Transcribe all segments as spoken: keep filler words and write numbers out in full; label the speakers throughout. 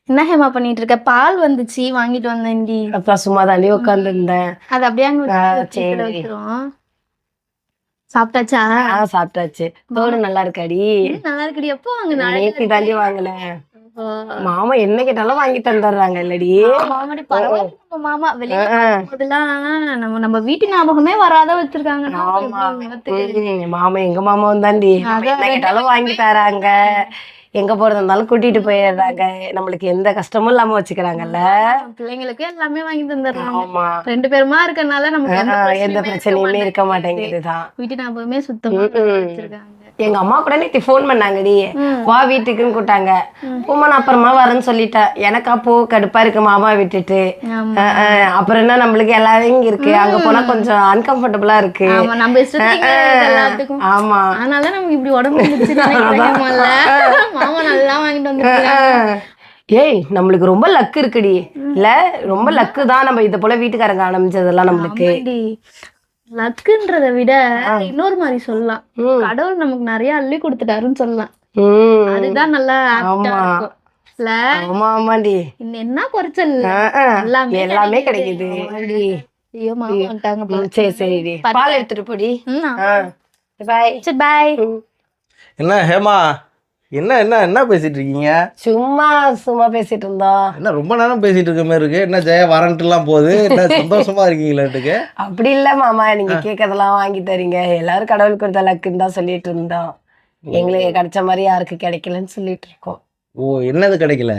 Speaker 1: என்ன ஹேமா பண்ணிட்டு இருக்க? பால் வந்துச்சு வாங்கிட்டு வந்தேன்டி.
Speaker 2: அப்பா சும்மா தாண்டி உட்கார்ந்து இருந்தேன்.
Speaker 1: அது அப்படியே அங்க
Speaker 2: ஆ,
Speaker 1: வச்சு
Speaker 2: சரி.
Speaker 1: வச்சிரும். சாப்பிட்டாச்சா?
Speaker 2: ஆ சாப்பிட்டாச்சு. தோடு நல்லா இருக்காடி?
Speaker 1: ம், நல்லா இருக்குடி. எப்போ வாங்க?
Speaker 2: நேத்தி தாண்டி வாங்கினேன். மாமா என்ன கேட்டாலும் வாங்கி தந்துடுறாங்க இல்லடி?
Speaker 1: மாமாடி பரவாயில்ல. நம்ம மாமா வெளியே
Speaker 2: ஆ,
Speaker 1: போதெல்லாம் நம்ம நம்ம வீட்டு ஞாபகமே வராத வச்சிருக்காங்க.
Speaker 2: ஆமா. ம், மாமா எங்க மாமாவும் தாண்டி நம்ம என்ன கேட்டாலும் வாங்கி தராங்க. எங்க போறது இருந்தாலும் கூட்டிட்டு போயிடுறாங்க. நம்மளுக்கு எந்த கஷ்டமும் இல்லாம வச்சுக்கிறாங்கல்ல.
Speaker 1: பிள்ளைங்களுக்கு எல்லாமே வாங்கி தந்துடுறாங்க.
Speaker 2: ஆமா.
Speaker 1: ரெண்டு பேருமா இருக்கறனால நமக்கு எந்த
Speaker 2: ஆ, எந்த
Speaker 1: பிரச்சனையுமே இருக்க
Speaker 2: பிரச்சனையுமே இருக்க
Speaker 1: மாட்டேங்குது.
Speaker 2: மாட்டேங்குதுதான்.
Speaker 1: வீட்டு ஞாபகமே சுத்தமா வச்சிருக்காங்க.
Speaker 2: எங்க அம்மா கூட நேத்து ஃபோன் பண்ணாங்கடி.
Speaker 1: ம்.
Speaker 2: வா வீட்டுக்குன்னு கூட்டாங்க. போமா நான் அப்புறமா வரேன்னு சொல்லிட்டேன். எனக்கா போ கடுப்பா இருக்கு மாமா விட்டுட்டு.
Speaker 1: ஆமா.
Speaker 2: அஹ் அஹ் அப்புறம் என்ன நம்மளுக்கு எல்லாரும் இங்க இருக்கு. அங்க போனா கொஞ்சம் அன்கம்ஃபர்டபுளா இருக்கு.
Speaker 1: ஆமா, நம்ம இஷ்டத்துக்கு இங்க எல்லாத்துக்கும்.
Speaker 2: ஆமா.
Speaker 1: அதனால நமக்கு இப்படி உடம்பு முடிச்சுன்னு நினைக்கிறேன்ல. மாமா நல்லா வாங்கிட்டு வந்து
Speaker 2: அஹ் ஏய் நம்மளுக்கு ரொம்ப லக்கு இருக்குடி இல்ல? ரொம்ப லக்கு தான் நம்ம இத போல வீட்டுக்காரங்க ஆரம்பிச்சதெல்லாம் நம்மளுக்கு.
Speaker 1: லக்குன்றத விட இன்னொரு மாதிரி சொல்லலாம். கடவுள் நமக்கு நிறைய அள்ளி கொடுத்துட்டாருன்னு சொல்லலாம்.
Speaker 2: உம்
Speaker 1: அதுதான் நல்லா
Speaker 2: ஆமா.
Speaker 1: இருக்கும். இல்ல
Speaker 2: ஆமா ஆமாடி.
Speaker 1: இன்னும் என்ன குறைச்சல்
Speaker 2: அஹ் அஹ்
Speaker 1: எல்லாமே
Speaker 2: எல்லாமே கிடைக்குது.
Speaker 1: ஐயோ மாமா வந்துட்டாங்க போல.
Speaker 2: ம், சரி சரிடி. பால் எடுத்துட்டு போடி.
Speaker 1: ம், ஆ.
Speaker 2: பாய்.
Speaker 1: சரி பாய்.
Speaker 3: என்ன ஹேமா, என்ன என்ன என்ன பேசிட்டு இருக்கீங்க?
Speaker 2: சும்மா சும்மா பேசிட்டு இருந்தோம்.
Speaker 3: என்ன ரொம்ப நேரம் பேசிட்டு இருக்க மாதிரி இருக்கு. என்ன ஜெயா வாரண்ட்டுலாம் போகுது? என்ன சந்தோஷமா இருக்கீங்களாட்டுக்கு?
Speaker 2: அப்படி இல்ல மாமா, நீங்க கேட்கறதெல்லாம் வாங்கி தரீங்க. எல்லாரும் கடவுள் கொடுத்த லக்குன்னு தான் சொல்லிட்டு இருந்தோம். எங்களுக்கு கிடைச்ச மாதிரி யாருக்கு கிடைக்கலன்னு சொல்லிட்டு இருக்கோம்.
Speaker 3: ஓ, என்னது கிடைக்கல?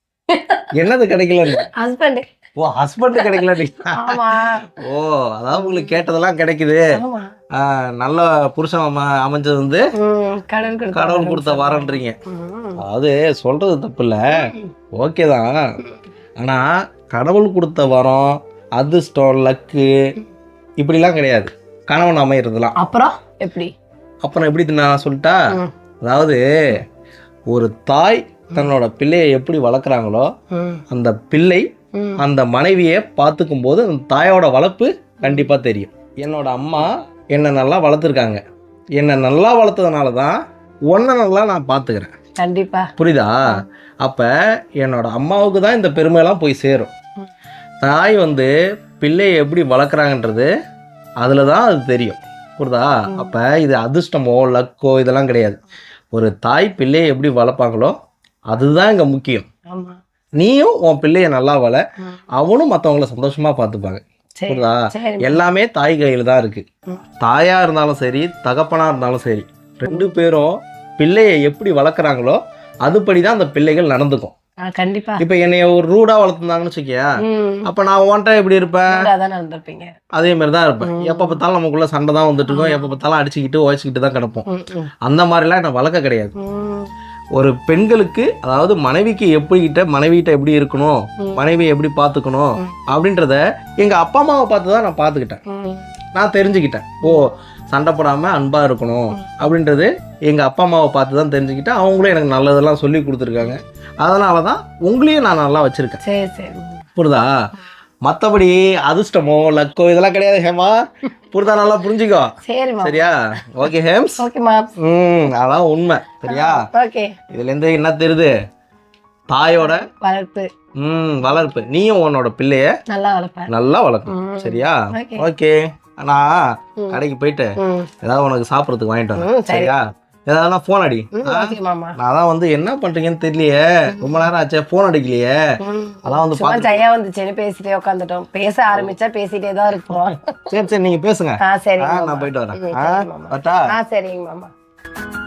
Speaker 3: என்னது கிடைக்கல?
Speaker 2: ஹஸ்பண்ட்.
Speaker 3: ஓ, ஹஸ்பண்ட் கிடைக்கல.
Speaker 2: ஆமா.
Speaker 3: ஓ, அதாவது உங்களுக்கு கேட்டதெல்லாம் கிடைக்குது.
Speaker 2: ஆமா.
Speaker 3: ஆ, நல்ல புருஷன் அம- அமைஞ்சது வந்து
Speaker 2: ம், கடவுள் கொடுத்த
Speaker 3: கடவுள் கொடுத்த வரன்றீங்க.
Speaker 2: ம்.
Speaker 3: அதாவது சொல்றது தப்பு இல்லை, ஓகே தான். ஆனா கடவுள் கொடுத்த வரம், அதிர்ஷ்டம், லக்கு இப்படிலாம் கிடையாது கணவன் அமைகிறதுலாம்.
Speaker 2: அப்புறம் எப்படி?
Speaker 3: அப்புறம் எப்படி நான் சொல்லிட்டா,
Speaker 2: ம்.
Speaker 3: அதாவது ஒரு தாய் தன்னோட பிள்ளையை எப்படி வளர்க்குறாங்களோ
Speaker 2: ம்.
Speaker 3: அந்த பிள்ளை
Speaker 2: ம்.
Speaker 3: அந்த மனைவியை பார்த்துக்கும் போது அந்த தாயோட வளர்ப்பு கண்டிப்பாக தெரியும். என்னோட அம்மா என்னை நல்லா வளர்த்துருக்காங்க. என்னை நல்லா வளர்த்ததுனால தான் உன்னை நல்லா நான் பார்த்துக்கிறேன்.
Speaker 2: கண்டிப்பா.
Speaker 3: புரியுதா? அப்போ என்னோட அம்மாவுக்கு தான் இந்த பெருமையெல்லாம் போய் சேரும். தாய் வந்து பிள்ளையை எப்படி வளர்க்குறாங்கன்றது அதில் தான் அது தெரியும். புரியுதா? அப்போ இது அதிர்ஷ்டமோ லக்கோ இதெல்லாம் கிடையாது. ஒரு தாய் பிள்ளையை எப்படி வளர்ப்பாங்களோ அதுதான் இங்கே முக்கியம்.
Speaker 2: ஆமா.
Speaker 3: நீயும் உன் பிள்ளைய நல்லா வள, அவனும் மற்றவங்கள சந்தோஷமாக பார்த்துப்பாங்க.
Speaker 2: சரி.
Speaker 3: புரியுதா?
Speaker 2: சரி.
Speaker 3: எல்லாமே தாய் கையில் தான் இருக்கு. தாயா இருந்தாலும் சரி, தகப்பனா இருந்தாலும் சரி, ரெண்டு பேரும் பிள்ளையை எப்படி வளர்க்குறாங்களோ அதுபடி தான் அந்த பிள்ளைகள் நடந்துக்கும்.
Speaker 2: ஆ, கண்டிப்பா.
Speaker 3: இப்போ என்னைய ஒரு ரூடா வளர்த்துருந்தாங்கன்னு வச்சுக்கியா,
Speaker 2: ம்.
Speaker 3: அப்போ நான் உன்ட்ட எப்படி இருப்பேன்?
Speaker 2: அதான் நடந்திருப்பீங்க.
Speaker 3: அதே மாதிரி தான் இருப்பேன். எப்போ பார்த்தாலும் நமக்குள்ள சண்டை தான் வந்துட்டு இருக்கோம். எப்போ பார்த்தாலும் அடிச்சுக்கிட்டு உழைச்சிக்கிட்டு தான் கிடப்போம்.
Speaker 2: ம், ம்.
Speaker 3: அந்த மாதிரிலாம் என்ன வளர்க்க கிடையாது.
Speaker 2: ம்.
Speaker 3: ஒரு பெண்களுக்கு, அதாவது மனைவிக்கு எப்படிக்கிட்ட மனைவிகிட்ட எப்படி இருக்கணும், மனைவியை எப்படி பார்த்துக்கணும் அப்படின்றத எங்கள் அப்பா அம்மாவை பார்த்து தான் நான் பார்த்துக்கிட்டேன்.
Speaker 2: ம்.
Speaker 3: நான் தெரிஞ்சுக்கிட்டேன். ஓ, சண்டை போடாமல் அன்பாக இருக்கணும் அப்படின்றது எங்கள் அப்பா அம்மாவை பார்த்து தான் தெரிஞ்சுக்கிட்டேன். அவங்களும் எனக்கு நல்லதெல்லாம் சொல்லி கொடுத்துருக்காங்க. அதனால தான் உங்களையும் நான் நல்லா வச்சுருக்கேன்.
Speaker 2: சரி சரி.
Speaker 3: புரியுதா? மற்றபடி அதிர்ஷ்டமோ லக்கோ இதெல்லாம் கிடையாது ஹேமா. புரிதா? நல்லா புரிஞ்சுக்கோ.
Speaker 2: சரி மா.
Speaker 3: சரியா? ஓகே ஹேம்ஸ்.
Speaker 2: ஓகே மா.
Speaker 3: ம், அதான் உண்மை. சரியா?
Speaker 2: ஓகே.
Speaker 3: இதுலேருந்து என்ன தெரியுது? தாயோட
Speaker 2: வளர்ப்பு.
Speaker 3: ம் வளர்ப்பு. நீயும் உன்னோட பிள்ளைய
Speaker 2: நல்லா வளர்ப்பேன்.
Speaker 3: நல்லா வளர்க்கணும். சரியா?
Speaker 2: ஓகே.
Speaker 3: ஓகே. நான் கடைக்கு போயிட்டு
Speaker 2: ம்.
Speaker 3: ஏதாவது உனக்கு சாப்பிட்றதுக்கு வாங்கிட்டு
Speaker 2: ம்,
Speaker 3: வரேன்.
Speaker 2: சரி.
Speaker 3: சரியா? ஏதாவது ஃபோன் அடி.
Speaker 2: ம், ஓகே மாமா.
Speaker 3: நான் தான் வந்து என்ன பண்றீங்கன்னு தெரியலையே, ரொம்ப நேரம் ஆச்சே ஃபோன் அடிக்கலையே.
Speaker 2: ம்.
Speaker 3: அதான் வந்து
Speaker 2: சும்மா
Speaker 3: பார்த்து.
Speaker 2: ஜெயா வந்துச்சுன்னு பேசிட்டே உட்காந்துட்டோம். பேச ஆரம்பிச்சா பேசிட்டே தான் இருப்போம்.
Speaker 3: சரி சரி, நீங்க பேசுங்க.
Speaker 2: ஆ, சரி
Speaker 3: ஆ,
Speaker 2: மாமா.
Speaker 3: நான் போயிட்டு வரேன்.
Speaker 2: ம்,
Speaker 3: ஆ,
Speaker 2: சரி மாமா.
Speaker 3: வரட்டா?
Speaker 2: ஆ, சரிங்க மாமா.